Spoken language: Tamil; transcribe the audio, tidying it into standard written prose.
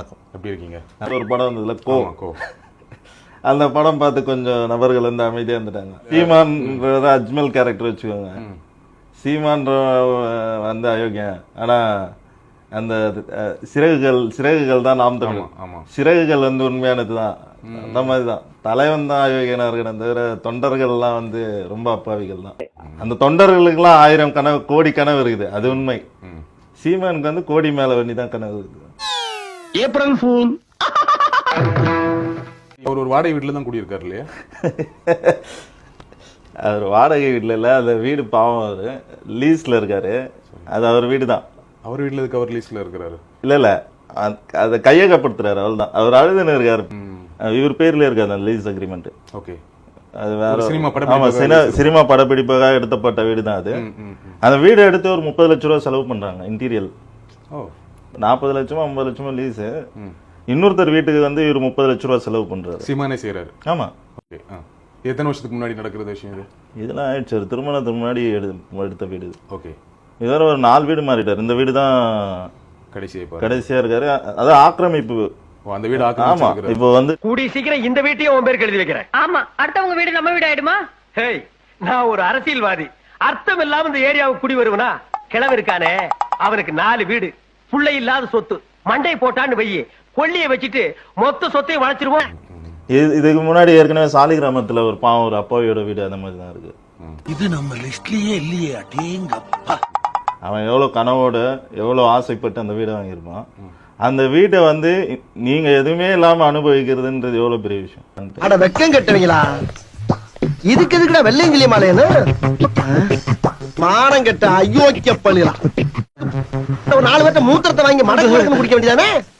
வணக்கம். எப்படி இருக்கீங்க? ஒரு படம் வந்ததுல கோ அந்த படம் பார்த்து கொஞ்சம் நபர்கள் வந்து அமைதியாக இருந்துட்டாங்க. சீமான் அஜ்மல் கேரக்டர் வச்சுக்கோங்க. சீமான் வந்து அயோக்கியன், ஆனால் அந்த சிறகுகள் தான் நாம் தமிழ். சிறகுகள் வந்து உண்மையானது தான். அந்த மாதிரி தான் தலைவன் தான் அயோக்கியனா இருக்கணும் தவிர தொண்டர்கள்லாம் வந்து ரொம்ப அப்பாவிகள் தான். அந்த தொண்டர்களுக்கெல்லாம் 1000 கனவு, கோடி கனவு இருக்குது, அது உண்மை. சீமானுக்கு வந்து கோடி மேல வேண்டி தான் கனவு இருக்குது. April fool. அவர் ஒரு வாடகை வீட்டில் தான் குடியிருக்காரு இல்லையா? அவர் வாடகை வீட்டில் இல்லை, அந்த வீடு பாவம், அவர் லீஸ்ல இருக்காரு. அது அவர் வீடு தான். அவர் வீட்டில் இருக்கு, அவர் லீஸ்ல இருக்கிறாரு. இல்லை அதை கையகப்படுத்துறாரு, அவள் தான். அவர் அழுதுன்னு இருக்காரு. இவர் பேர்ல இருக்காரு அந்த லீஸ் அக்ரிமெண்ட். ஓகே, அது வேற சினிமா படப்பிடிப்புக்காக எடுத்தப்பட்ட வீடு தான் அது. அந்த வீடு எடுத்து ஒரு 30 லட்சம் ரூபா செலவு பண்றாங்க. இன்டீரியல் 40 லட்சமோ 50 லட்சமோ லீஸ். இன்னொருத்தர் வீட்டுக்கு வந்து இவர் 30 லட்சம் ரூபா செலவு பண்றாரு. சீமானே செய்யறாரு. ஆமா. ஓகே, எத்தனை வருஷத்துக்கு முன்னாடி நடக்கிற விஷயம் இது? இதெல்லாம் ஆயிடுச்சு, திருமணத்துக்கு முன்னாடி எடுத்த வீடு. ஓகே, இதோட ஒரு 4 வீடு மாறிட்டார். இந்த வீடு தான் கடைசியா இருக்காரு. அதான் ஆக்கிரமிப்பு. அந்த வீடு ஆமா. இப்போ வந்து கூடி சீக்கிரம் இந்த வீட்டையும் உன் பேருக்கு எழுதி வைக்கிறேன். ஆமா, அடுத்தவங்க வீடு நம்ம வீடு ஆயிடுமா? ஹேய், நான் ஒரு அரசியல்வாதி. அர்த்தம் இல்லாம இந்த ஏரியாவுக்கு குடி வருவனா? கிழவு இருக்கானே, அவனுக்கு 4 வீடு, புள்ளை இல்லாத சொத்து. மண்டை போட்டான்னு வையி, கொள்ளியை வச்சுட்டு மொத்த சொத்தையும் வளைச்சிருவோம். இதுக்கு முன்னாடி ஏற்கனவே சாலிகிராமத்துல ஒரு பாவம், ஒரு அப்பாவியோட வீடு அந்த மாதிரி தான் இருக்கு. இது நம்ம லிஸ்ட்லயே இல்லையே. அடேங்கப்பா, அவன் எவ்வளவு கனவோட எவ்வளவு ஆசைப்பட்டு அந்த வீடை வாங்கியிருப்பான். அந்த வீட்டை வந்து நீங்க எதுவுமே இல்லாம அனுபவிக்கிறதுன்றது எவ்வளவு பெரிய விஷயம். அட வெக்கம் கட்டுவீங்களா? இதுக்கு எதுக்குடா வெள்ளையங்கிலி மாலையன்னு மானம் கட்ட அயோக்கிய பள்ளிலாம். 4 பேர்த்த மூத்திரத்தை வாங்கி மடக்கு குடிக்க வேண்டியதானே?